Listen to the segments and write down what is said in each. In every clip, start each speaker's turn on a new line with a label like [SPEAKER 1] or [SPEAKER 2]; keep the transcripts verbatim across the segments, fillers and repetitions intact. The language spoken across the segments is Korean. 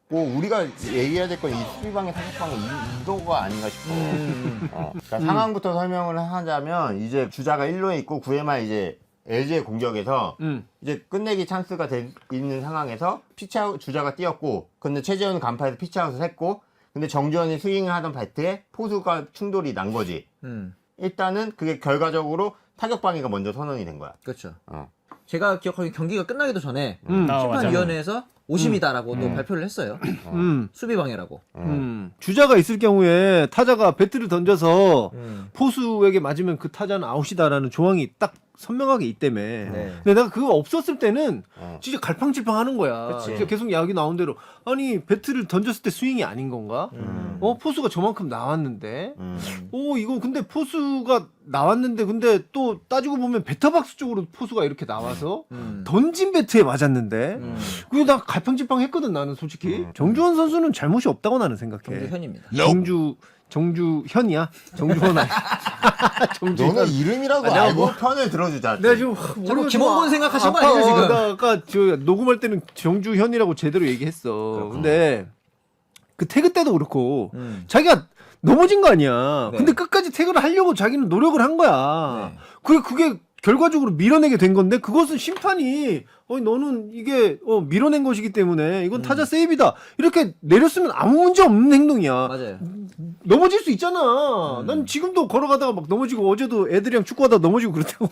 [SPEAKER 1] 우리가 얘기해야 될 건 이 수비방의 타격방의 이도가 아닌가 싶어.
[SPEAKER 2] 음.
[SPEAKER 1] 어. 그러니까 음. 상황부터 설명을 하자면 이제 주자가 일 루에 있고 구 회말 이제 엘지의 공격에서
[SPEAKER 3] 음.
[SPEAKER 1] 이제 끝내기 찬스가 돼 있는 상황에서 피치아웃 주자가 뛰었고 근데 최재훈은 간파에서 피치아웃을 했고 근데 정주현이 스윙을 하던 배트에 포수가 충돌이 난 거지.
[SPEAKER 2] 음.
[SPEAKER 1] 일단은 그게 결과적으로 타격방위가 먼저 선언이 된 거야.
[SPEAKER 2] 그렇죠.
[SPEAKER 1] 어.
[SPEAKER 2] 제가 기억하기에 경기가 끝나기도 전에
[SPEAKER 3] 음.
[SPEAKER 4] 아,
[SPEAKER 2] 심판위원회에서 오심이다라고
[SPEAKER 1] 음.
[SPEAKER 2] 또
[SPEAKER 1] 음.
[SPEAKER 2] 발표를 했어요.
[SPEAKER 3] 음.
[SPEAKER 2] 수비방해라고.
[SPEAKER 3] 음. 주자가 있을 경우에 타자가 배트를 던져서
[SPEAKER 2] 음.
[SPEAKER 3] 포수에게 맞으면 그 타자는 아웃이다라는 조항이 딱 선명하게 있다며.
[SPEAKER 2] 네.
[SPEAKER 3] 근데 내가 그거 없었을 때는
[SPEAKER 1] 어.
[SPEAKER 3] 진짜 갈팡질팡하는 거야.
[SPEAKER 2] 그치.
[SPEAKER 3] 진짜 계속 이야기 나온 대로 아니 배트를 던졌을 때 스윙이 아닌 건가?
[SPEAKER 2] 음.
[SPEAKER 3] 어 포수가 저만큼 나왔는데.
[SPEAKER 1] 음.
[SPEAKER 3] 오 이거 근데 포수가 나왔는데 근데 또 따지고 보면 배터박스 쪽으로 포수가 이렇게 나와서
[SPEAKER 2] 음.
[SPEAKER 3] 던진 배트에 맞았는데.
[SPEAKER 2] 음.
[SPEAKER 3] 그게 나 갈팡질팡했거든 나는 솔직히.
[SPEAKER 1] 음.
[SPEAKER 3] 정주원 선수는 잘못이 없다고 나는 생각해.
[SPEAKER 2] 정주현입니다.
[SPEAKER 3] 정주 정주현이야? 정주현 아니. 정주현.
[SPEAKER 1] 너는 이름이라고
[SPEAKER 3] 아, 내가
[SPEAKER 1] 알고
[SPEAKER 3] 뭐-
[SPEAKER 1] 편을 들어주자.
[SPEAKER 3] 내가 지금
[SPEAKER 2] 자꾸
[SPEAKER 3] 모르겠어.
[SPEAKER 2] 김원곤 생각하신 거
[SPEAKER 3] 아파.
[SPEAKER 2] 아니죠, 지금?
[SPEAKER 3] 나 아까 저 녹음할 때는 정주현이라고 제대로 얘기했어.
[SPEAKER 1] 그렇구나.
[SPEAKER 3] 근데 그 태그 때도 그렇고
[SPEAKER 2] 음.
[SPEAKER 3] 자기가 넘어진 거 아니야.
[SPEAKER 2] 네.
[SPEAKER 3] 근데 끝까지 태그를 하려고 자기는 노력을 한 거야.
[SPEAKER 2] 네.
[SPEAKER 3] 그게 그게 결과적으로 밀어내게 된 건데 그것은 심판이 어 너는 이게 어 밀어낸 것이기 때문에 이건 타자 세이브다 이렇게 내렸으면 아무 문제 없는 행동이야.
[SPEAKER 2] 맞아요.
[SPEAKER 3] 넘어질 수 있잖아.
[SPEAKER 2] 음.
[SPEAKER 3] 난 지금도 걸어가다가 막 넘어지고 어제도 애들이랑 축구하다가 넘어지고 그렇다고.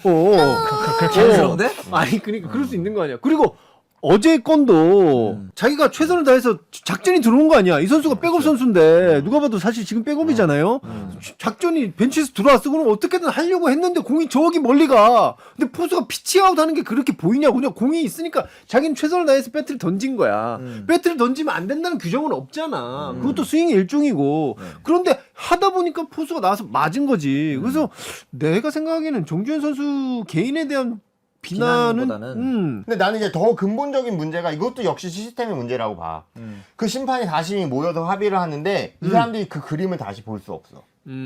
[SPEAKER 2] 자연스러운데?
[SPEAKER 3] 어. 아니 그러니까 그럴 수 있는 거 아니야. 그리고 어제 건도
[SPEAKER 2] 음.
[SPEAKER 3] 자기가 최선을 다해서 작전이 들어온 거 아니야. 이 선수가 백업 선수인데 누가 봐도 사실 지금 백업이잖아요.
[SPEAKER 2] 음.
[SPEAKER 3] 작전이 벤치에서 들어왔어. 그럼 어떻게든 하려고 했는데 공이 저기 멀리 가. 근데 포수가 피치아웃 하는 게 그렇게 보이냐고. 그냥 공이 있으니까 자기는 최선을 다해서 배트를 던진 거야.
[SPEAKER 2] 음.
[SPEAKER 3] 배트를 던지면 안 된다는 규정은 없잖아.
[SPEAKER 2] 음.
[SPEAKER 3] 그것도 스윙의 일종이고.
[SPEAKER 2] 네.
[SPEAKER 3] 그런데 하다 보니까 포수가 나와서 맞은 거지. 그래서 내가 생각하기에는 정주현 선수 개인에 대한 비난은
[SPEAKER 2] 비난보다는.
[SPEAKER 3] 음.
[SPEAKER 1] 근데 나는 이제 더 근본적인 문제가 이것도 역시 시스템의 문제라고 봐.
[SPEAKER 2] 음.
[SPEAKER 1] 그 심판이 다시 모여서 합의를 하는데 이 사람들이 그 그림을 다시 볼 수 없어.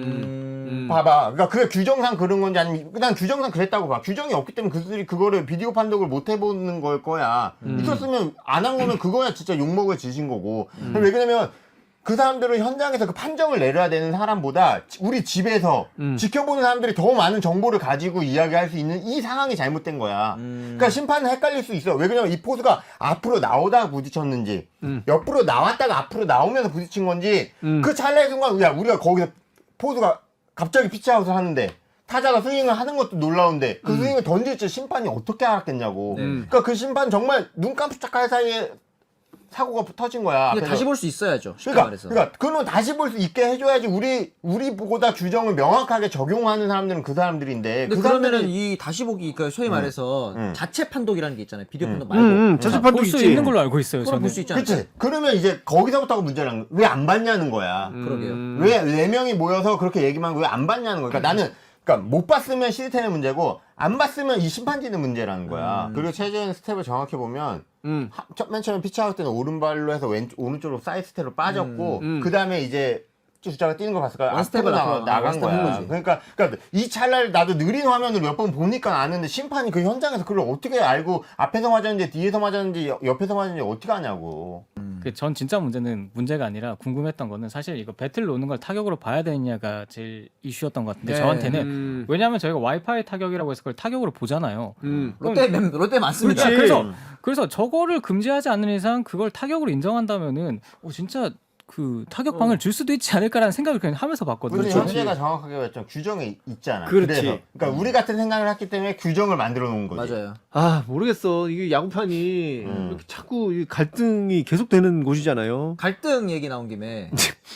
[SPEAKER 2] 음.
[SPEAKER 1] 봐봐. 그러니까 그게 규정상 그런 건지 아니면 난 규정상 그랬다고 봐. 규정이 없기 때문에 그들이 그거를 비디오 판독을 못 해보는 걸 거야. 있었으면 안 한 거면 그거야 진짜 욕먹을 짓인 거고. 그럼 왜 그러냐면 그 사람들은 현장에서 그 판정을 내려야 되는 사람보다 우리 집에서
[SPEAKER 3] 음.
[SPEAKER 1] 지켜보는 사람들이 더 많은 정보를 가지고 이야기할 수 있는 이 상황이 잘못된 거야.
[SPEAKER 2] 음.
[SPEAKER 1] 그러니까 심판은 헷갈릴 수 있어. 왜 그러냐면 이 포수가 앞으로 나오다가 부딪혔는지
[SPEAKER 3] 음.
[SPEAKER 1] 옆으로 나왔다가 앞으로 나오면서 부딪힌 건지
[SPEAKER 3] 음.
[SPEAKER 1] 그 찰나의 순간 야 우리가 거기서 포수가 갑자기 피치아웃을 하는데 타자가 스윙을 하는 것도 놀라운데 그 스윙을 던질 때 심판이 어떻게 알았겠냐고.
[SPEAKER 2] 네.
[SPEAKER 1] 그러니까 그 심판 정말 눈 깜짝할 사이에 사고가 터진 거야.
[SPEAKER 2] 근데
[SPEAKER 1] 앞에서.
[SPEAKER 2] 다시 볼 수 있어야죠. 쉽게
[SPEAKER 1] 그러니까,
[SPEAKER 2] 말해서.
[SPEAKER 1] 그러니까 그건 다시 볼 수 있게 해줘야지. 우리 우리보다 규정을 명확하게 적용하는 사람들은 그 사람들인데.
[SPEAKER 2] 근데
[SPEAKER 1] 그
[SPEAKER 2] 그러면은
[SPEAKER 1] 사람들이
[SPEAKER 2] 이 다시 보기 그 소위 말해서
[SPEAKER 1] 음.
[SPEAKER 2] 자체 판독이라는 게 있잖아요. 비디오
[SPEAKER 1] 음.
[SPEAKER 2] 판독 말고.
[SPEAKER 3] 음, 음, 자체 판독
[SPEAKER 4] 볼 수
[SPEAKER 3] 있지.
[SPEAKER 4] 있는 걸로 알고 있어요.
[SPEAKER 2] 그걸
[SPEAKER 4] 저는.
[SPEAKER 2] 볼 수 있지 않을까?
[SPEAKER 1] 그치? 그러면 이제 거기서부터가 문제라는 거야. 왜 안 받냐는 거야.
[SPEAKER 2] 그러게요.
[SPEAKER 3] 음.
[SPEAKER 1] 왜 네 명이 모여서 그렇게 얘기만 하고 왜 안 받냐는 거야. 그러니까 나는 그러니까 못 봤으면 시스템의 문제고 안 봤으면 이 심판진의 문제라는 거야.
[SPEAKER 2] 음.
[SPEAKER 1] 그리고 최재현 스텝을 정확히 보면
[SPEAKER 3] 음.
[SPEAKER 1] 하- 첫 맨 처음에 피치아웃 때는 오른발로 해서 왼 오른쪽으로 사이드 스텝으로 빠졌고
[SPEAKER 3] 음, 음.
[SPEAKER 1] 그 다음에 이제 주자가 뛰는 거 봤을 거야.
[SPEAKER 2] 원 스텝을
[SPEAKER 1] 앞으로
[SPEAKER 2] 앞으로,
[SPEAKER 1] 나,
[SPEAKER 2] 아, 원
[SPEAKER 1] 나간
[SPEAKER 2] 스텝 한
[SPEAKER 1] 거야.
[SPEAKER 2] 거지.
[SPEAKER 1] 그러니까 그러니까 이 찰나를 나도 느린 화면으로 몇 번 보니까 아는데 심판이 그 현장에서 그걸 어떻게 알고 앞에서 맞았는지 뒤에서 맞았는지 옆- 옆에서 맞았는지 어떻게 아냐고.
[SPEAKER 4] 그 전 진짜 문제는 문제가 아니라 궁금했던 거는 사실 이거 배틀 놓는 걸 타격으로 봐야 되느냐가 제일 이슈였던 것 같은데
[SPEAKER 2] 네.
[SPEAKER 4] 저한테는
[SPEAKER 3] 음.
[SPEAKER 4] 왜냐하면 저희가 와이파이 타격이라고 해서 그걸 타격으로 보잖아요.
[SPEAKER 3] 음.
[SPEAKER 2] 롯데 멤- 롯데 많습니다.
[SPEAKER 3] 그렇지.
[SPEAKER 4] 그래서 그래서 저거를 금지하지 않는 이상 그걸 타격으로 인정한다면은 어, 진짜 그 타격방을 줄 수도 있지 않을까라는 생각을 그냥 하면서 봤거든요.
[SPEAKER 1] 우리
[SPEAKER 3] 그렇지.
[SPEAKER 1] 현재가 정확하게 말했죠. 규정이 있잖아.
[SPEAKER 3] 그렇지.
[SPEAKER 1] 그래서 그러니까 우리 같은 생각을 했기 때문에 규정을 만들어 놓은 거지.
[SPEAKER 2] 맞아요.
[SPEAKER 3] 아 모르겠어. 이게 야구판이
[SPEAKER 1] 음.
[SPEAKER 3] 이렇게 자꾸 이 갈등이 계속되는 곳이잖아요.
[SPEAKER 2] 갈등 얘기 나온 김에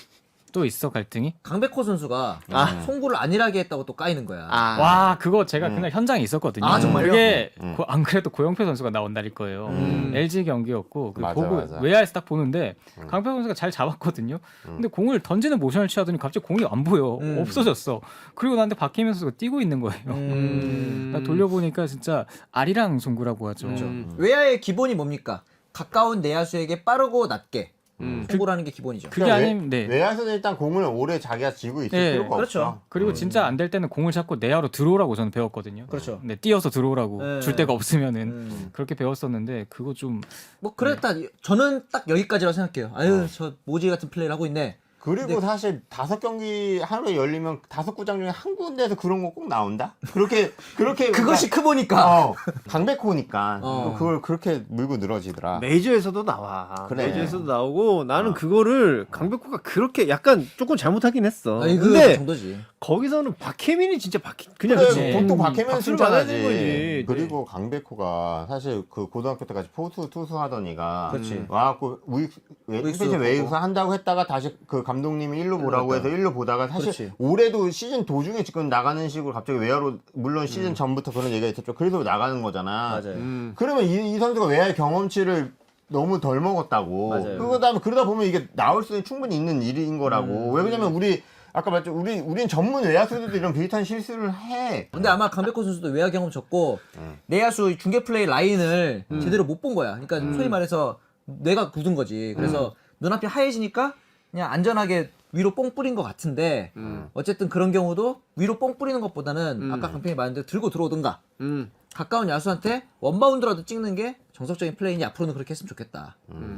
[SPEAKER 4] 또 있어 갈등이?
[SPEAKER 2] 강백호 선수가
[SPEAKER 3] 아.
[SPEAKER 2] 송구를 안일하게 했다고 또 까이는 거야.
[SPEAKER 3] 아.
[SPEAKER 4] 와 그거 제가
[SPEAKER 1] 음.
[SPEAKER 4] 그날 현장에 있었거든요.
[SPEAKER 2] 아, 정말요?
[SPEAKER 4] 그게
[SPEAKER 1] 음.
[SPEAKER 4] 고- 안 그래도 고영표 선수가 나온 날일 거예요.
[SPEAKER 3] 음.
[SPEAKER 4] 엘지 경기였고 그
[SPEAKER 1] 맞아,
[SPEAKER 4] 보고
[SPEAKER 1] 맞아.
[SPEAKER 4] 외야에서 딱 보는데
[SPEAKER 1] 음.
[SPEAKER 4] 강표 선수가 잘 잡았거든요.
[SPEAKER 1] 음.
[SPEAKER 4] 근데 공을 던지는 모션을 취하더니 갑자기 공이 안 보여.
[SPEAKER 2] 음.
[SPEAKER 4] 없어졌어. 그리고 나한테 박혜민 선수가 뛰고 있는 거예요.
[SPEAKER 2] 음.
[SPEAKER 4] 나 돌려보니까 진짜 아리랑 송구라고 하죠.
[SPEAKER 3] 음.
[SPEAKER 2] 외야의 기본이 뭡니까? 가까운 내야수에게 빠르고 낮게
[SPEAKER 3] 음.
[SPEAKER 2] 승부를 하는 게 기본이죠.
[SPEAKER 4] 그게
[SPEAKER 1] 그러니까
[SPEAKER 4] 아니면 네.
[SPEAKER 1] 외야에서는 일단 공을 오래 자기가 쥐고 있을
[SPEAKER 4] 네,
[SPEAKER 1] 필요가
[SPEAKER 2] 그렇죠.
[SPEAKER 1] 없어.
[SPEAKER 4] 그리고 진짜 안 될 때는 공을 잡고 내야로 들어오라고 저는 배웠거든요.
[SPEAKER 2] 그렇죠.
[SPEAKER 4] 네, 뛰어서 들어오라고
[SPEAKER 2] 네.
[SPEAKER 4] 줄 데가 없으면은
[SPEAKER 2] 음.
[SPEAKER 4] 그렇게 배웠었는데 그거 좀
[SPEAKER 2] 뭐 그랬다. 저는 딱 여기까지라고 생각해요. 아유 저 모지 같은 플레이를 하고 있네.
[SPEAKER 1] 그리고
[SPEAKER 2] 근데-
[SPEAKER 1] 사실 다섯 경기 하루에 열리면 다섯 구장 중에 한 군데에서 그런 거 꼭 나온다. 그렇게 그렇게
[SPEAKER 2] 그것이 크보니까.
[SPEAKER 1] 어, 강백호니까
[SPEAKER 2] 어.
[SPEAKER 1] 그걸 그렇게 물고 늘어지더라.
[SPEAKER 3] 메이저에서도 나와.
[SPEAKER 1] 그래.
[SPEAKER 3] 메이저에서도 나오고 나는
[SPEAKER 1] 어.
[SPEAKER 3] 그거를 강백호가 그렇게 약간 조금 잘못하긴 했어.
[SPEAKER 2] 아니, 그
[SPEAKER 3] 근데
[SPEAKER 2] 정도지.
[SPEAKER 3] 거기서는 박혜민이 진짜 박 그냥
[SPEAKER 1] 그래,
[SPEAKER 3] 그치.
[SPEAKER 1] 보통
[SPEAKER 3] 음,
[SPEAKER 1] 박해면
[SPEAKER 3] 박수를 받아야
[SPEAKER 1] 칭찬하지.
[SPEAKER 3] 되는 거지.
[SPEAKER 1] 그리고 강백호가 사실 그 고등학교 때까지 포수 투수 하더니가
[SPEAKER 2] 그렇지.
[SPEAKER 1] 와갖고 우익
[SPEAKER 2] 우익수
[SPEAKER 1] 외 외익수
[SPEAKER 2] 보고.
[SPEAKER 1] 한다고 했다가 다시 그 감독님이 일루 보라고 해서 일루 보다가 사실
[SPEAKER 2] 그렇지.
[SPEAKER 1] 올해도 시즌 도중에 지금 나가는 식으로 갑자기 외야로 물론 시즌
[SPEAKER 2] 음.
[SPEAKER 1] 전부터 그런 얘기가 있었죠. 그래서 나가는 거잖아.
[SPEAKER 2] 맞아요.
[SPEAKER 3] 음.
[SPEAKER 1] 그러면 이, 이 선수가 외야의 경험치를 너무 덜 먹었다고.
[SPEAKER 2] 맞아요.
[SPEAKER 1] 그러다 그러다 보면 이게 나올 수 충분히 있는 일인 거라고.
[SPEAKER 2] 음.
[SPEAKER 1] 왜 그러냐면 우리 아까 말했죠. 우리 우린 전문 외야수들도 이런 비슷한 실수를 해.
[SPEAKER 2] 근데 아마 강백호 선수도 외야 경험 적고
[SPEAKER 1] 음.
[SPEAKER 2] 내야수 중계 플레이 라인을 제대로 못 본 거야. 그러니까 소위 말해서 뇌가 굳은 거지. 그래서 눈앞이 하얘지니까 그냥 안전하게 위로 뽕 뿌린 것 같은데 어쨌든 그런 경우도 위로 뽕 뿌리는 것보다는 아까 강평이 말한 대로 들고 들어오든가
[SPEAKER 3] 음.
[SPEAKER 2] 가까운 야수한테 원바운드라도 찍는 게 정석적인 플레이니 앞으로는 그렇게 했으면 좋겠다.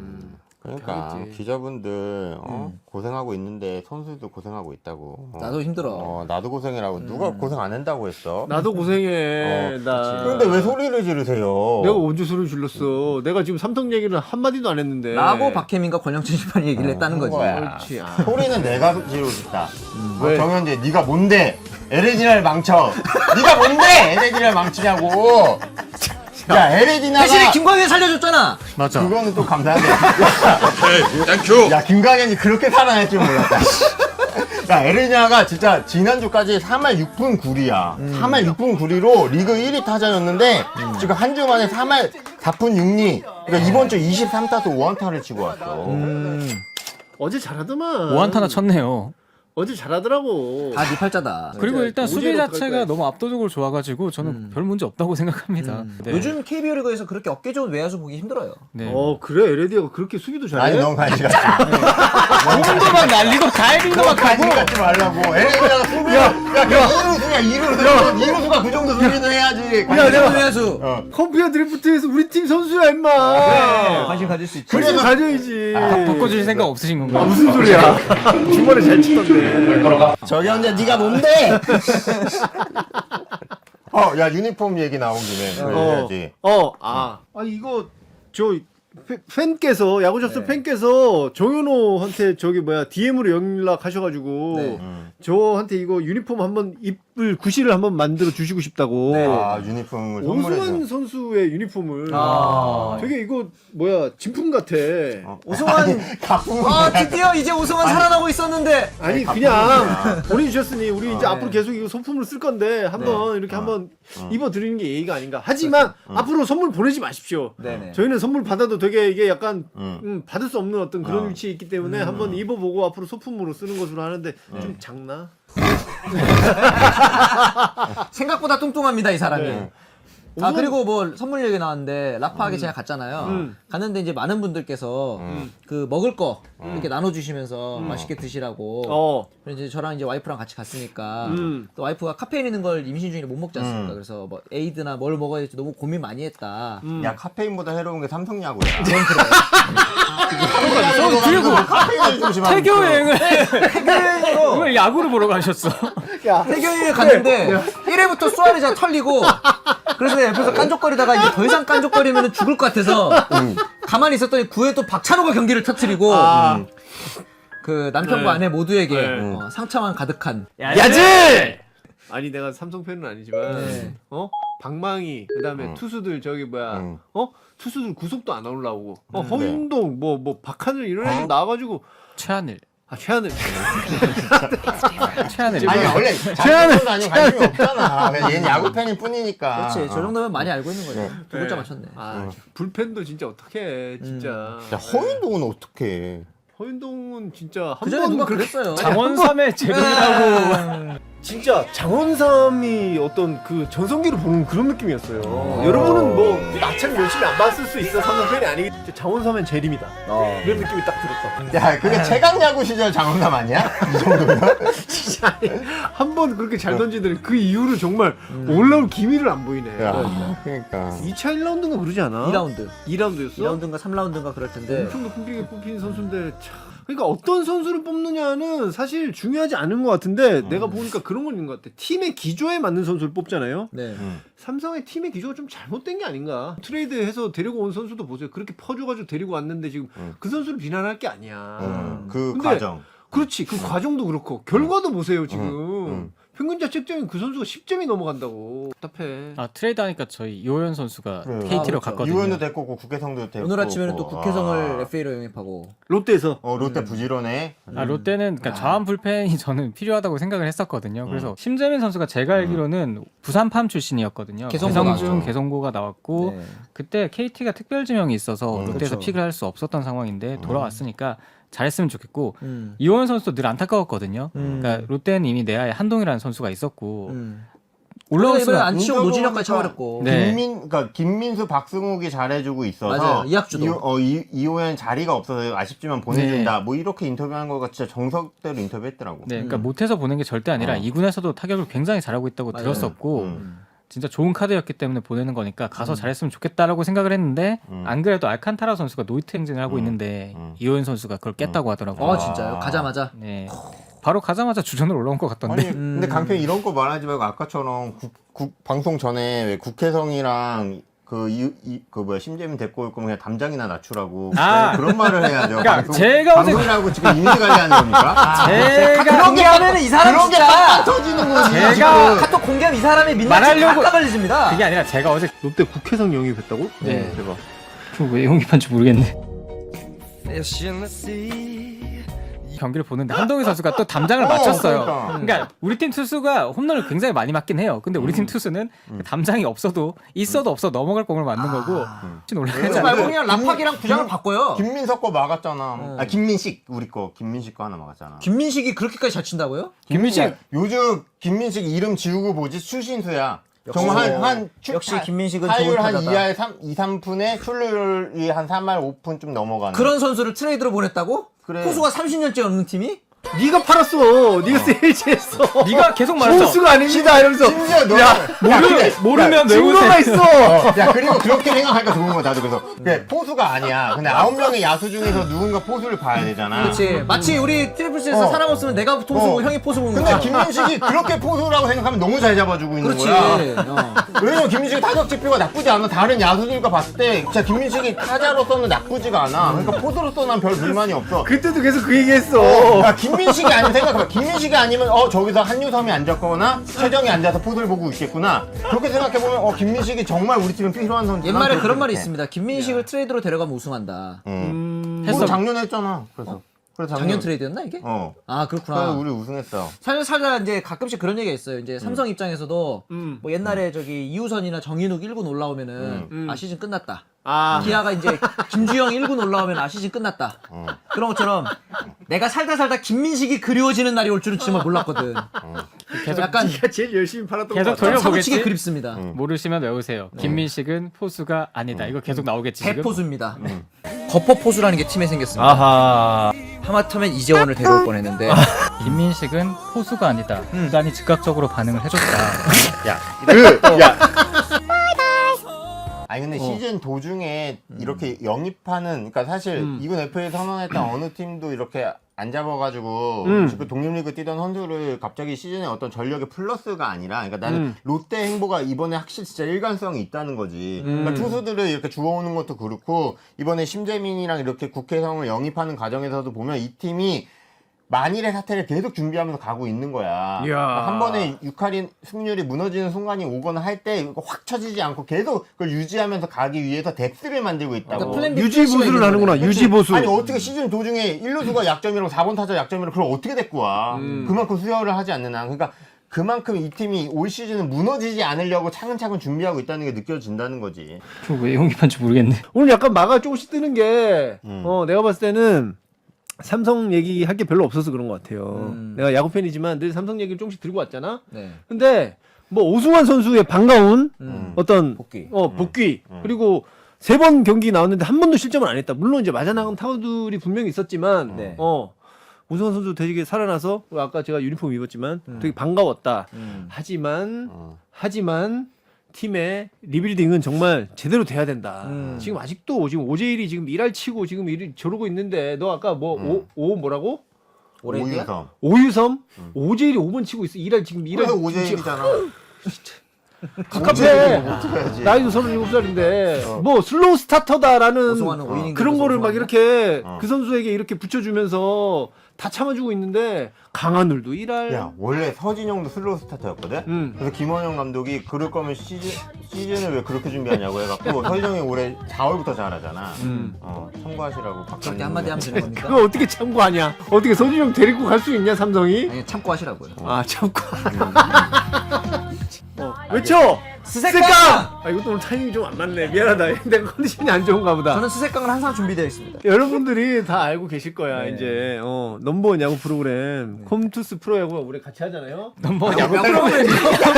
[SPEAKER 1] 그러니까
[SPEAKER 3] 그러겠지.
[SPEAKER 1] 기자분들 어?
[SPEAKER 2] 음.
[SPEAKER 1] 고생하고 있는데 선수도 고생하고 있다고. 어.
[SPEAKER 2] 나도 힘들어.
[SPEAKER 1] 어, 나도 고생이라고 누가 고생 안 한다고 했어?
[SPEAKER 3] 나도 고생해.
[SPEAKER 1] 어,
[SPEAKER 3] 나.
[SPEAKER 1] 그런데 왜 소리를 지르세요?
[SPEAKER 3] 내가 언제 소리를 질렀어? 내가 지금 삼성 얘기를 한 마디도 안 했는데.
[SPEAKER 2] 라고 박혜민과 권영진 심판이 얘기를 했다는 거지.
[SPEAKER 1] 거야.
[SPEAKER 3] 그렇지. 아.
[SPEAKER 1] 소리는 내가 지르고 싶다. 어,
[SPEAKER 3] 왜?
[SPEAKER 1] 정현재, 네가 뭔데? 엘에디나를 망쳐. 네가 뭔데? 엘에디나를 망치냐고. 야, 엘에디나가
[SPEAKER 2] 대신에 김광현 살려줬잖아.
[SPEAKER 4] 맞아.
[SPEAKER 1] 그거는 또 감사하네.
[SPEAKER 5] 오케이, 땡큐.
[SPEAKER 1] 야, 김광현이 그렇게 살아날 줄 몰랐다. 야, 에르냐가 진짜 지난주까지 삼 할 육 분 구 리야. 삼 할 육 분 구 리로 리그 일 위 타자였는데 지금 한 주 만에 삼 할 사 분 육 리. 그러니까 이번 주 이십삼 타수 오 안타를 치고 왔어.
[SPEAKER 3] 어제 잘하더만.
[SPEAKER 4] 오안타나 쳤네요.
[SPEAKER 3] 어제 잘하더라고.
[SPEAKER 2] 다 네 팔자다.
[SPEAKER 4] 그리고 일단
[SPEAKER 3] 오지로
[SPEAKER 4] 수비
[SPEAKER 3] 어떡할
[SPEAKER 4] 자체가
[SPEAKER 3] 거야.
[SPEAKER 4] 너무 압도적으로 좋아가지고 저는 별 문제 없다고 생각합니다. 네.
[SPEAKER 2] 요즘 케이비오 리그에서 그렇게 어깨 좋은 외야수 보기 힘들어요.
[SPEAKER 4] 네.
[SPEAKER 3] 어 그래 엘에디가 그렇게 수비도 잘해?
[SPEAKER 1] 아니, 넌 관심 갖지
[SPEAKER 4] 홈도만 날리고 다이빙도만
[SPEAKER 1] 넌 관심
[SPEAKER 4] 가고
[SPEAKER 1] 갖지 말라고. 에르냐가 수비야. 야, 야, 이루수야, 이루수. 이루수가 그 정도 수비는 해야지.
[SPEAKER 3] 야, 내가-
[SPEAKER 2] 외야수.
[SPEAKER 1] 어.
[SPEAKER 3] 컴퓨터 드리프트에서 우리 팀 선수야 임마.
[SPEAKER 2] 관심 가질 수 있지.
[SPEAKER 3] 관심 가져야지.
[SPEAKER 4] 바꿔주실 생각 없으신 건가요?
[SPEAKER 3] 아, 무슨 소리야? 중간에 잘 치던데.
[SPEAKER 1] 저기 현재 네가 뭔데? 어, 야, 유니폼 얘기 나온 김에 그거
[SPEAKER 3] 어,
[SPEAKER 1] 해야지.
[SPEAKER 3] 어, 아, 아 이거 저 팬- 팬께서 야구 접수
[SPEAKER 2] 네.
[SPEAKER 3] 팬께서 정현호한테 저기 뭐야 디엠으로 연락하셔가지고
[SPEAKER 2] 네.
[SPEAKER 3] 저한테 이거 유니폼 한번 입을 구실을 한번 만들어 주시고 싶다고.
[SPEAKER 2] 네.
[SPEAKER 1] 아, 유니폼을
[SPEAKER 3] 오승환
[SPEAKER 1] 선물해줘.
[SPEAKER 3] 선수의 유니폼을.
[SPEAKER 2] 아.
[SPEAKER 3] 되게 이거 뭐야 진품 같아.
[SPEAKER 2] 오승환.
[SPEAKER 1] 가품.
[SPEAKER 2] 아 드디어 이제 오승환 살아나고 있었는데.
[SPEAKER 3] 아니
[SPEAKER 1] 아니,
[SPEAKER 3] 그냥 보내주셨으니 우리 이제
[SPEAKER 2] 아,
[SPEAKER 3] 앞으로
[SPEAKER 2] 네.
[SPEAKER 3] 계속 이거 소품을 쓸 건데 한번
[SPEAKER 1] 네.
[SPEAKER 3] 이렇게
[SPEAKER 1] 어.
[SPEAKER 3] 한번 입어 드리는 게 예의가 아닌가. 하지만 앞으로 선물 보내지 마십시오.
[SPEAKER 2] 네네.
[SPEAKER 3] 저희는 선물 받아도 되게 이게 약간
[SPEAKER 1] 음.
[SPEAKER 3] 음, 받을 수 없는 어떤 그런
[SPEAKER 1] 어.
[SPEAKER 3] 위치에 있기 때문에 한번 입어보고 앞으로 소품으로 쓰는 것으로 하는데 좀 작나?
[SPEAKER 2] 생각보다 뚱뚱합니다 이 사람이.
[SPEAKER 1] 네.
[SPEAKER 2] 아
[SPEAKER 3] 오승환-
[SPEAKER 2] 그리고 뭐 선물 얘기 나왔는데 라파하게 제가 갔잖아요.
[SPEAKER 3] 음.
[SPEAKER 2] 갔는데 이제 많은 분들께서
[SPEAKER 1] 음.
[SPEAKER 2] 그 먹을 거 이렇게 나눠주시면서 맛있게 드시라고.
[SPEAKER 3] 어.
[SPEAKER 2] 그래서 이제 저랑 이제 와이프랑 같이 갔으니까
[SPEAKER 3] 음.
[SPEAKER 2] 또 와이프가 카페인 있는 걸 임신 중에 못 먹지 않습니까?
[SPEAKER 1] 음.
[SPEAKER 2] 그래서 뭐 에이드나 뭘 먹어야 될지 너무 고민 많이 했다.
[SPEAKER 3] 음.
[SPEAKER 1] 야, 카페인보다 해로운 게 삼성야구야.
[SPEAKER 2] 그건 그래.
[SPEAKER 4] 그리고
[SPEAKER 1] 카페인을 조심하고.
[SPEAKER 4] 태교 여행을
[SPEAKER 2] 태교여행으로
[SPEAKER 4] 왜 야구를 보러 가셨어?
[SPEAKER 3] 야,
[SPEAKER 2] 태교여행 갔는데 일 회부터 수아레자 털리고 그래서 옆에서 깐족거리다가 이제 더 이상 깐족거리면 죽을 것 같아서 가만히 있었더니 구 회 또 박찬호가 경기를 터뜨리고
[SPEAKER 3] 아.
[SPEAKER 2] 음. 그 남편과
[SPEAKER 3] 네.
[SPEAKER 2] 아내 모두에게
[SPEAKER 3] 네.
[SPEAKER 2] 어, 상처만 가득한
[SPEAKER 3] 야지! 아니 내가 삼성 팬은 아니지만
[SPEAKER 2] 네.
[SPEAKER 3] 어 방망이 그다음에
[SPEAKER 1] 음.
[SPEAKER 3] 투수들 저기 뭐야
[SPEAKER 1] 음.
[SPEAKER 3] 어 투수들 구속도 안 올라오고 어
[SPEAKER 1] 음,
[SPEAKER 3] 허윤동 뭐 뭐 박하늘 이런 애들 나와가지고
[SPEAKER 4] 최하늘.
[SPEAKER 3] 아 최하늘
[SPEAKER 4] 최하늘.
[SPEAKER 1] 아니, 원래 자기도 아니고 관심이 없잖아. 그냥 얘는 야구 팬일 뿐이니까.
[SPEAKER 2] 그렇지 저
[SPEAKER 1] 어.
[SPEAKER 2] 정도면 많이 알고 있는 거죠. 두 글자
[SPEAKER 3] 네.
[SPEAKER 2] 맞췄네.
[SPEAKER 3] 아 불펜도 진짜 어떡해 진짜
[SPEAKER 1] 야, 허윤동은 어떻게?
[SPEAKER 3] 허윤동은 진짜 한
[SPEAKER 2] 그전에 누가
[SPEAKER 3] 번은 그렇게
[SPEAKER 2] 그랬어요.
[SPEAKER 4] 장원삼의 제명이라고.
[SPEAKER 3] 진짜 장원삼이 어떤 그 전성기를 보는 그런 느낌이었어요. 여러분은 뭐 나처럼 열심히 안 봤을 수 있어. 삼성 팬이 아니겠지. 장원삼은 재림이다.
[SPEAKER 2] 어.
[SPEAKER 3] 이런 느낌이 딱 들었어.
[SPEAKER 1] 야, 그게 최강야구 시절 장원삼 아니야? 이 정도면?
[SPEAKER 3] 진짜 한 번 그렇게 잘 던지더니 그 이후로 정말 올라올 기미를 안 보이네.
[SPEAKER 1] 야, 그러니까.
[SPEAKER 3] 이 차 일 라운드인가 그러지 않아?
[SPEAKER 2] 이 라운드.
[SPEAKER 3] 이 라운드였어?
[SPEAKER 2] 이 라운드인가 삼 라운드인가 그럴 텐데.
[SPEAKER 3] 엄청 높은 픽에 뽑힌 선수인데 참. 그러니까 어떤 선수를 뽑느냐는 사실 중요하지 않은 것 같은데
[SPEAKER 1] 음.
[SPEAKER 3] 내가 보니까 그런 건 있는 것 같아. 팀의 기조에 맞는 선수를 뽑잖아요.
[SPEAKER 2] 네.
[SPEAKER 1] 음.
[SPEAKER 3] 삼성의 팀의 기조가 좀 잘못된 게 아닌가. 트레이드해서 데리고 온 선수도 보세요. 그렇게 퍼줘가지고 데리고 왔는데 지금
[SPEAKER 1] 음.
[SPEAKER 3] 그 선수를 비난할 게 아니야.
[SPEAKER 1] 음, 그
[SPEAKER 3] 근데
[SPEAKER 1] 과정.
[SPEAKER 3] 그렇지. 그 과정도 그렇고 결과도 보세요 지금.
[SPEAKER 1] 음.
[SPEAKER 3] 평균 자책점이 그 선수가 십 점이 넘어간다고. 답답해.
[SPEAKER 4] 아 트레이드 하니까 저희 이호연 선수가
[SPEAKER 1] 그래요.
[SPEAKER 4] 케이티로
[SPEAKER 2] 아, 그렇죠.
[SPEAKER 4] 갔거든요.
[SPEAKER 1] 유엔도 데리고 오고 국회성도 데리고
[SPEAKER 2] 오늘 아침에는 또
[SPEAKER 1] 오고.
[SPEAKER 2] 국회성을
[SPEAKER 1] 아.
[SPEAKER 2] 에프에이로 영입하고.
[SPEAKER 3] 롯데에서.
[SPEAKER 1] 어, 롯데 부지런해.
[SPEAKER 4] 아 롯데는 그러니까 좌완 불펜이 저는 필요하다고 생각을 했었거든요. 그래서
[SPEAKER 1] 음.
[SPEAKER 4] 심재민 선수가 제가 알기로는 부산 팜 출신이었거든요.
[SPEAKER 2] 개성고
[SPEAKER 4] 개성중
[SPEAKER 1] 나왔죠.
[SPEAKER 4] 개성고가 나왔고
[SPEAKER 2] 네.
[SPEAKER 4] 그때 케이티가 특별 지명이 있어서
[SPEAKER 1] 음,
[SPEAKER 4] 롯데에서
[SPEAKER 2] 그렇죠.
[SPEAKER 4] 픽을 할 수 없었던 상황인데 돌아왔으니까 잘했으면 좋겠고
[SPEAKER 2] 음.
[SPEAKER 4] 이호연 선수도 늘 안타까웠거든요.
[SPEAKER 2] 음.
[SPEAKER 4] 그러니까 롯데는 이미 내야에 한동이라는 선수가 있었고
[SPEAKER 2] 음.
[SPEAKER 4] 올라왔으면
[SPEAKER 2] 안 치고
[SPEAKER 1] 인터뷰
[SPEAKER 2] 노진혁까지
[SPEAKER 1] 보니까
[SPEAKER 2] 차버렸고.
[SPEAKER 4] 네.
[SPEAKER 1] 김민, 그러니까 김민수, 박승욱이 잘해주고 있어서
[SPEAKER 2] 맞아요. 이학주도.
[SPEAKER 1] 이, 어, 이, 이호연 자리가 없어서 아쉽지만 보내준다. 뭐 이렇게 인터뷰한 거가 진짜 정석대로 인터뷰했더라고.
[SPEAKER 4] 네, 그러니까
[SPEAKER 2] 음.
[SPEAKER 4] 못해서 보낸 게 절대 아니라
[SPEAKER 1] 어.
[SPEAKER 4] 이 군에서도 타격을 굉장히 잘하고 있다고
[SPEAKER 2] 맞아요.
[SPEAKER 4] 들었었고
[SPEAKER 1] 음.
[SPEAKER 4] 진짜 좋은 카드였기 때문에 보내는 거니까 가서 잘했으면 좋겠다라고 생각을 했는데
[SPEAKER 1] 음.
[SPEAKER 4] 안 그래도 알칸타라 선수가 노이트 행진을 하고
[SPEAKER 1] 음.
[SPEAKER 4] 있는데
[SPEAKER 1] 음.
[SPEAKER 4] 이호연 선수가 그걸 깼다고 하더라고요.
[SPEAKER 2] 어 진짜요? 가자마자.
[SPEAKER 4] 네, 바로 가자마자 주전으로 올라온 것 같던데.
[SPEAKER 1] 아니 근데 강평 이런 거 말하지 말고 아까처럼 국, 국 방송 전에 왜 국회성이랑 그 이 그 뭐야 심재민 데리고 올 거면 그냥 담장이나 낮추라고
[SPEAKER 4] 아.
[SPEAKER 1] 그런 말을 해야죠.
[SPEAKER 4] 그러니까
[SPEAKER 1] 방송,
[SPEAKER 4] 제가 어제-
[SPEAKER 1] 방송이라고 지금 이미지 관리하는 겁니까?
[SPEAKER 2] 제가 공개하면은 이 사람
[SPEAKER 1] 그런 게
[SPEAKER 2] 진짜
[SPEAKER 1] 빡 터지는 거지.
[SPEAKER 4] 제가
[SPEAKER 1] 지금.
[SPEAKER 2] 카톡 공개하면 이 사람의 민낯이
[SPEAKER 4] 말하려고-
[SPEAKER 2] 다 까발려집니다.
[SPEAKER 4] 그게 아니라 제가 어제
[SPEAKER 3] 롯데 국회성 영입했다고?
[SPEAKER 4] 네.
[SPEAKER 3] 대박.
[SPEAKER 4] 왜 영입한지 모르겠네. 경기를 보는데 한동희 선수가 또 담장을
[SPEAKER 1] 어,
[SPEAKER 4] 맞췄어요.
[SPEAKER 1] 그러니까.
[SPEAKER 4] 그러니까 우리 팀 투수가 홈런을 굉장히 많이 맞긴 해요. 근데 우리 팀 투수는 담장이 없어도 있어도 없어 넘어갈 공을 맞는 거고 훨씬 올라가지
[SPEAKER 1] 그래서
[SPEAKER 2] 말고
[SPEAKER 4] 않아요.
[SPEAKER 2] 그냥 라팍이랑 부장을 바꿔요.
[SPEAKER 1] 김민석 거 막았잖아.
[SPEAKER 2] 어.
[SPEAKER 1] 아 김민식 우리 거 김민식 거 하나 막았잖아.
[SPEAKER 2] 김민식이 그렇게까지 잘 친다고요?
[SPEAKER 4] 김민식
[SPEAKER 1] 야, 요즘 김민식 이름 지우고 보지 출신수야. 정말 한, 한, 출-
[SPEAKER 2] 역시
[SPEAKER 1] 하-
[SPEAKER 2] 김민식은
[SPEAKER 1] 타율
[SPEAKER 2] 좋은
[SPEAKER 1] 한
[SPEAKER 2] 타자다.
[SPEAKER 1] 이 할 삼, 이, 삼 푼에 출루율이 한 삼 할 오 푼 좀 넘어가는.
[SPEAKER 2] 그런 선수를 트레이드로 보냈다고?
[SPEAKER 1] 그래.
[SPEAKER 2] 포수가 삼십 년째 없는 팀이?
[SPEAKER 3] 네가 팔았어. 네가 세일즈했어.
[SPEAKER 4] 네가 계속 말했어.
[SPEAKER 3] 선수가 아닙니다. 이러면서
[SPEAKER 1] 심지어 너
[SPEAKER 3] 야,
[SPEAKER 1] 모르,
[SPEAKER 4] 모르면
[SPEAKER 3] 증거가 있어.
[SPEAKER 1] 야 그리고 그렇게 생각하니까 좋은 거야 나도 그래서 그래 포수가 아니야 근데 아홉 명의 야수 중에서 누군가 포수를 봐야 되잖아.
[SPEAKER 2] 그렇지. 마치 우리 트리플스에서
[SPEAKER 1] 어.
[SPEAKER 2] 사람 없으면 내가 포수고
[SPEAKER 1] 어.
[SPEAKER 2] 형이 포수 보는
[SPEAKER 1] 근데
[SPEAKER 2] 거야.
[SPEAKER 1] 김민식이 그렇게 포수라고 생각하면 너무 잘 잡아주고 있는
[SPEAKER 2] 그렇지.
[SPEAKER 1] 거야.
[SPEAKER 2] 어.
[SPEAKER 1] 왜냐면 김민식이 타격 지표가 나쁘지 않아. 다른 야수들과 봤을 때 진짜 김민식이 타자로서는 나쁘지가 않아. 그러니까 포수로서 난 별 불만이 없어.
[SPEAKER 3] 그때도 계속 그 얘기했어.
[SPEAKER 1] 야, 김민식이 아니면 생각해봐. 김민식이 아니면 어 저기서 한유섬이 앉았거나 최정이 앉아서 포수를 보고 있겠구나. 그렇게 생각해보면 어 김민식이 정말 우리 팀에 필요한 선수.
[SPEAKER 2] 옛말에 그런 말이 있습니다. 김민식을 트레이드로 데려가면 우승한다.
[SPEAKER 1] 음.
[SPEAKER 4] 했어.
[SPEAKER 1] 했어. 작년에 했잖아. 그래서. 그래서
[SPEAKER 2] 작년 트레이드였나 이게?
[SPEAKER 1] 어.
[SPEAKER 2] 아
[SPEAKER 1] 그래서
[SPEAKER 2] 그렇구나.
[SPEAKER 1] 우리 우승했어.
[SPEAKER 2] 살다 살다 이제 가끔씩 그런 얘기가 있어요. 이제 삼성 입장에서도
[SPEAKER 3] 음.
[SPEAKER 2] 뭐 옛날에 저기 이우선이나 정인욱 일 군 올라오면은
[SPEAKER 3] 음.
[SPEAKER 2] 아 시즌 끝났다.
[SPEAKER 3] 아.
[SPEAKER 2] 기아가 이제 김주영 일 군 올라오면 아 시즌 끝났다.
[SPEAKER 1] 어.
[SPEAKER 2] 그런 것처럼 내가 살다 살다 김민식이 그리워지는 날이 올 줄은 정말 몰랐거든.
[SPEAKER 4] 계속
[SPEAKER 2] 약간
[SPEAKER 3] 네가 제일 열심히 팔았던
[SPEAKER 4] 계속
[SPEAKER 3] 거 같아.
[SPEAKER 4] 돌려-
[SPEAKER 2] 사무치게
[SPEAKER 4] 돌려보겠지?
[SPEAKER 2] 그립습니다.
[SPEAKER 4] 모르시면 외우세요. 김민식은 포수가 아니다. 이거 계속 나오겠지 지금.
[SPEAKER 2] 대포수입니다. 거포 포수라는 게 팀에 생겼습니다.
[SPEAKER 3] 아하.
[SPEAKER 2] 하마터면 이재원을 데려올 뻔했는데
[SPEAKER 4] 김민식은 포수가 아니다. 구단이 즉각적으로 반응을 해줬다.
[SPEAKER 1] 그, 야. 아니 근데 시즌 도중에 이렇게 영입하는 그러니까 사실
[SPEAKER 3] 음.
[SPEAKER 1] 이군 에프에이 선언했던 어느 팀도 이렇게 안 잡아가지고
[SPEAKER 3] 음.
[SPEAKER 1] 지금 독립리그 뛰던 선수를 갑자기 시즌에 어떤 전력의 플러스가 아니라 그러니까 나는
[SPEAKER 3] 음.
[SPEAKER 1] 롯데 행보가 이번에 확실히 진짜 일관성이 있다는 거지.
[SPEAKER 3] 음.
[SPEAKER 1] 그러니까 투수들을 이렇게 주워오는 것도 그렇고 이번에 심재민이랑 이렇게 국회성을 영입하는 과정에서도 보면 이 팀이 만일의 사태를 계속 준비하면서 가고 있는 거야.
[SPEAKER 3] 이야.
[SPEAKER 1] 한 번에 육 할인 승률이 무너지는 순간이 오거나 할 때 확 쳐지지 않고 계속 그걸 유지하면서 가기 위해서 덱스를 만들고 있다고.
[SPEAKER 2] 그러니까 플랜 B
[SPEAKER 3] 유지 보수를 하는구나. 유지 보수.
[SPEAKER 1] 아니 어떻게 시즌 도중에 일 루수가 약점이라고 사 번 타자 약점이라고 그걸 어떻게 데리고 와.
[SPEAKER 3] 음.
[SPEAKER 1] 그만큼 수혈을 하지 않는 한. 그러니까 그만큼 이 팀이 올 시즌은 무너지지 않으려고 차근차근 준비하고 있다는 게 느껴진다는 거지.
[SPEAKER 4] 왜 영입한지 모르겠네.
[SPEAKER 3] 오늘 약간 마가 조금씩 뜨는 게,
[SPEAKER 1] 음.
[SPEAKER 3] 어, 내가 봤을 때는, 삼성 얘기할 게 별로 없어서 그런 것 같아요.
[SPEAKER 2] 음.
[SPEAKER 3] 내가 야구 팬이지만 늘 삼성 얘기를 조금씩 들고 왔잖아.
[SPEAKER 2] 네.
[SPEAKER 3] 근데 뭐 오승환 선수의 반가운
[SPEAKER 2] 음.
[SPEAKER 3] 어떤
[SPEAKER 2] 복귀.
[SPEAKER 3] 어 복귀 그리고 세 번 경기 나왔는데 한 번도 실점을 안 했다. 물론 이제 맞아 나간 타구들이 분명히 있었지만
[SPEAKER 2] 네.
[SPEAKER 3] 어 오승환 선수 되게 살아나서 아까 제가 유니폼 입었지만
[SPEAKER 2] 음.
[SPEAKER 3] 되게 반가웠다.
[SPEAKER 2] 음.
[SPEAKER 3] 하지만
[SPEAKER 1] 어.
[SPEAKER 3] 하지만 팀의 리빌딩은 정말 제대로 돼야 된다.
[SPEAKER 2] 음.
[SPEAKER 3] 지금 아직도 지금 오제일이 지금 일할 치고 지금 일 저러고 있는데 너 아까 뭐
[SPEAKER 1] 음.
[SPEAKER 3] 오 오 뭐라고?
[SPEAKER 2] 오레디야?
[SPEAKER 1] 오유성.
[SPEAKER 3] 오유섬 오제일이 오 번 치고 있어. 일할 지금 일할
[SPEAKER 1] 그래 오제일이잖아.
[SPEAKER 3] 갑갑해.
[SPEAKER 1] 못해야지.
[SPEAKER 3] 나이도 서른일곱 살인데
[SPEAKER 1] 어.
[SPEAKER 3] 뭐 슬로우 스타터다라는
[SPEAKER 2] 오승환은 오 이닝
[SPEAKER 3] 그런 거를 막
[SPEAKER 2] 오승환이야?
[SPEAKER 3] 이렇게
[SPEAKER 1] 어.
[SPEAKER 3] 그 선수에게 이렇게 붙여주면서 다 참아주고 있는데 강하늘도 일할
[SPEAKER 1] 야 원래 서진영도 슬로우 스타터였거든.
[SPEAKER 3] 음.
[SPEAKER 1] 그래서 김원영 감독이 그럴 거면 시즌 시즌을 왜 그렇게 준비하냐고 해갖고 서진영이 올해 사월부터 잘하잖아.
[SPEAKER 3] 음.
[SPEAKER 1] 어 참고하시라고.
[SPEAKER 2] 그럴 때 한마디 하면 되는 겁니까?
[SPEAKER 3] 그거 어떻게 참고하냐? 어떻게 서진영 데리고 갈 수 있냐 삼성이?
[SPEAKER 2] 아니 참고 하시라고요.
[SPEAKER 3] 아 참고. 어, 외쳐.
[SPEAKER 2] 스색강!
[SPEAKER 3] 아 이것도 오늘 타이밍이 좀 안 맞네. 미안하다. 내가 컨디션이 안 좋은가 보다.
[SPEAKER 2] 저는 스색강은 항상 준비되어 있습니다.
[SPEAKER 3] 여러분들이 다 알고 계실 거야
[SPEAKER 2] 네.
[SPEAKER 3] 이제 어 넘버원 야구 프로그램 컴투스 프로야구 우리 같이 하잖아요.
[SPEAKER 4] 넘버
[SPEAKER 2] 야, 프로그램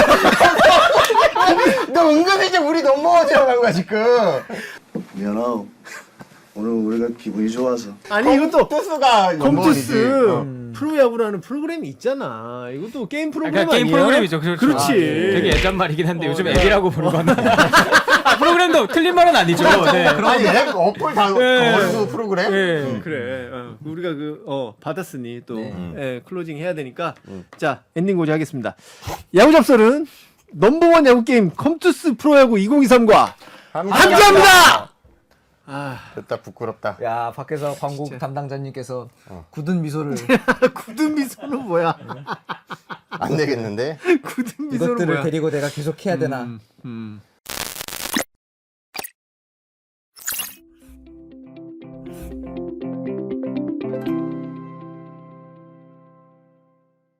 [SPEAKER 1] 너 은근히 이제 우리 넘어가자고 한 거야 지금.
[SPEAKER 6] 미안하오. 오늘 우리가 기분이 좋아서.
[SPEAKER 3] 아니 이것도
[SPEAKER 1] 투수가
[SPEAKER 3] 컴투스
[SPEAKER 1] 어.
[SPEAKER 3] 프로야구라는 프로그램이 있잖아. 이것도 게임 프로그램
[SPEAKER 4] 그러니까 게임
[SPEAKER 3] 아니야?
[SPEAKER 4] 프로그램이죠. 그렇죠.
[SPEAKER 3] 그렇지.
[SPEAKER 4] 아, 예. 되게 예전 말이긴 한데
[SPEAKER 3] 어,
[SPEAKER 4] 요즘
[SPEAKER 3] 네.
[SPEAKER 4] 앱이라고 부르거나. 아, 프로그램도 틀린 말은 아니죠. 네.
[SPEAKER 1] 아니 앱 어플 다
[SPEAKER 4] 네.
[SPEAKER 1] 걸수 프로그램?
[SPEAKER 4] 네.
[SPEAKER 1] 음.
[SPEAKER 3] 그래. 어, 우리가 그 어 받았으니 또
[SPEAKER 2] 네.
[SPEAKER 3] 예, 클로징 해야 되니까
[SPEAKER 1] 음.
[SPEAKER 3] 자 엔딩 고지 하겠습니다. 야구 잡설은 넘버원 야구 게임 컴투스 프로야구 이천이십삼과 함께합니다. 아
[SPEAKER 1] 됐다 부끄럽다.
[SPEAKER 2] 야 밖에서 광고 담당자님께서 굳은 미소를
[SPEAKER 3] 굳은 미소는 뭐야?
[SPEAKER 1] 안 되겠는데?
[SPEAKER 3] 굳은 미소는
[SPEAKER 2] 이것들을
[SPEAKER 3] 뭐야?
[SPEAKER 2] 데리고 내가 계속 해야 되나?
[SPEAKER 3] 음, 음.